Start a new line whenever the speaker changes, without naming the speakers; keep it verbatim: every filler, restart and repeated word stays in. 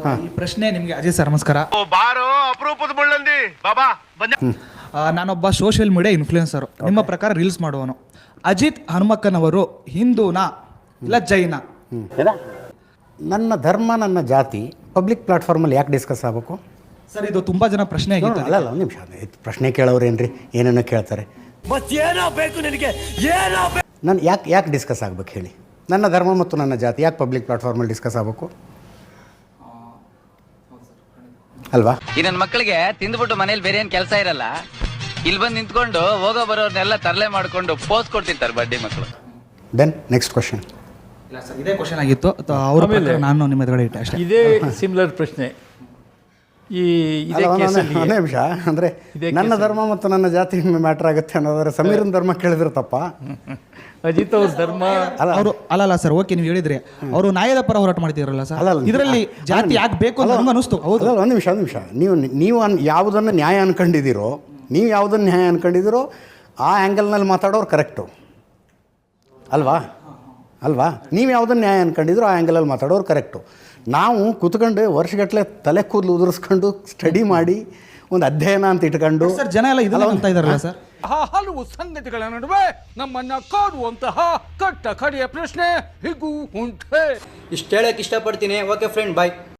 ಈ ಪ್ರಶ್ನೆ ನಿಮಗೆ ಅಜಯ್ ಸರ್ ನಮಸ್ಕಾರ.
ಬಾರೋ ಅಪರೂಪದ ಮುಳ್ಳಂದಿ ಬಾಬಾ ಬನ್ನಿ.
ನಾನೊಬ್ಬ ಸೋಷಿಯಲ್ ಮೀಡಿಯಾ ಇನ್ಫ್ಲೂಯೆನ್ಸರು. ನಿಮ್ಮ ಪ್ರಕಾರ ರೀಲ್ಸ್ ಮಾಡುವನು. ಅಜಿತ್ ಹನುಮಕ್ಕನವರು ಹಿಂದೂನಾ ಇಲ್ಲ ಜೈನ?
ನನ್ನ ಧರ್ಮ ನನ್ನ ಜಾತಿ ಪಬ್ಲಿಕ್ ಪ್ಲಾಟ್ಫಾರ್ಮಲ್ಲಿ ಯಾಕೆ ಡಿಸ್ಕಸ್ ಆಗಬೇಕು
ಸರ್? ಇದು ತುಂಬ ಜನ ಪ್ರಶ್ನೆ ಆಗಿತ್ತು.
ಅಲ್ಲ ಅಲ್ಲ ಒಂದು ನಿಮಿಷ, ಪ್ರಶ್ನೆ ಕೇಳೋರೇನ್ರಿ ಏನೇನೋ ಕೇಳ್ತಾರೆ. ನಾನು ಯಾಕೆ ಯಾಕೆ ಡಿಸ್ಕಸ್ ಆಗ್ಬೇಕು ಹೇಳಿ? ನನ್ನ ಧರ್ಮ ಮತ್ತು ನನ್ನ ಜಾತಿ ಯಾಕೆ ಪಬ್ಲಿಕ್ ಪ್ಲಾಟ್ಫಾರ್ಮಲ್ಲಿ ಡಿಸ್ಕಸ್ ಆಗಬೇಕು ಅಲ್ವಾ?
ಈ ನನ್ನ ಮಕ್ಕಳಿಗೆ ತಿಂದ್ಬಿಟ್ಟು ಮನೇಲಿ ಬೇರೆ ಏನು ಕೆಲಸ ಇರಲ್ಲ, ಇಲ್ಲಿ ಬಂದು ನಿಂತ್ಕೊಂಡು ಹೋಗೋ ಬರೋರ್ನೆಲ್ಲ ತರಲೆ ಮಾಡ್ಕೊಂಡು ಪೋಸ್ ಕೊಡ್ತಿರ್ತಾರೆ ಬಡ್ಡಿ ಮಕ್ಕಳು.
Then next question.
ಇಲ್ಲ ಸರ್, ಇದೇ ಕ್ವಶನ್ ಆಗಿತ್ತು. ಅವ್ರ ಮೇಲೆ ನಾನು ನಿಮ್ಮ ಎದುರುಗಡೆ ಇಟ್ಟೆ ಅಷ್ಟೇ.
ಇದೇ ಸಿಮಿಲರ್ ಪ್ರಶ್ನೆ. ಈ ಇದೇ ಕೇಸಲ್ಲಿ
ಒಂದೇ ನಿಮಿಷ, ಅಂದರೆ ನನ್ನ ಧರ್ಮ ಮತ್ತು ನನ್ನ ಜಾತಿ ಮ್ಯಾಟ್ರ್ ಆಗುತ್ತೆ ಅನ್ನೋದಾದ್ರೆ ಸಮೀರನ್ ಧರ್ಮ ಕೇಳಿದ್ರೆ ತಪ್ಪ?
ಅಜಿತ್ ಅವ್ರ ಧರ್ಮ
ಅವರು ಅಲ್ಲಲ್ಲ ಸರ್. ಓಕೆ, ನೀವು ಹೇಳಿದ್ರಿ ಅವರು ನ್ಯಾಯದ ಪರ ಹೋರಾಟ ಮಾಡ್ತಿದ್ರಲ್ಲ ಸರ್, ಇದರಲ್ಲಿ ಜಾತಿ ಯಾಕೆ ಬೇಕು ಅಂತ ನಮ್ಗೆ ಅನಿಸ್ತು. ಹೌದು,
ಒಂದು ನಿಮಿಷ ಒಂದು ನಿಮಿಷ ನೀವು ನೀವು ಅನ್ ಯಾವುದನ್ನು ನ್ಯಾಯ ಅನ್ಕೊಂಡಿದ್ದೀರೋ, ನೀವು ಯಾವುದನ್ನು ನ್ಯಾಯ ಅನ್ಕೊಂಡಿದ್ದೀರೋ ಆ ಆ್ಯಂಗಲ್ನಲ್ಲಿ ಮಾತಾಡೋರು ಕರೆಕ್ಟು ಅಲ್ವಾ? ಅಲ್ವಾ? ನೀವು ಯಾವುದನ್ನು ನ್ಯಾಯ ಅನ್ಕೊಂಡಿದ್ರು ಆ ಆ್ಯಂಗಲಲ್ಲಿ ಮಾತಾಡೋರು ಕರೆಕ್ಟು. ನಾವು ಕೂತ್ಕೊಂಡು ವರ್ಷಗಟ್ಟಲೆ ತಲೆ ಕೂದಲು ಉದುರಿಸ್ಕೊಂಡು ಸ್ಟಡಿ ಮಾಡಿ ಒಂದು ಅಧ್ಯಯನ ಅಂತ ಇಟ್ಕೊಂಡು
ಸರ್ ಜನ ಎಲ್ಲ ಇದೆಲ್ಲ ಅಂತ ಇದಾರಲ್ಲ ಸರ್.
ಹಲವು ಸಂಗತಿಗಳ ನಡುವೆ ನಮ್ಮನ್ನ ಕಾಡುವಂತಹ ಕಟ್ಟ ಕಡೆಯ ಪ್ರಶ್ನೆ ಹೀಗೂ ಉಂಟೆ.
ಇಷ್ಟು ಹೇಳಕ್ಕೆ ಇಷ್ಟಪಡ್ತೀನಿ. ಓಕೆ ಫ್ರೆಂಡ್, ಬಾಯ್.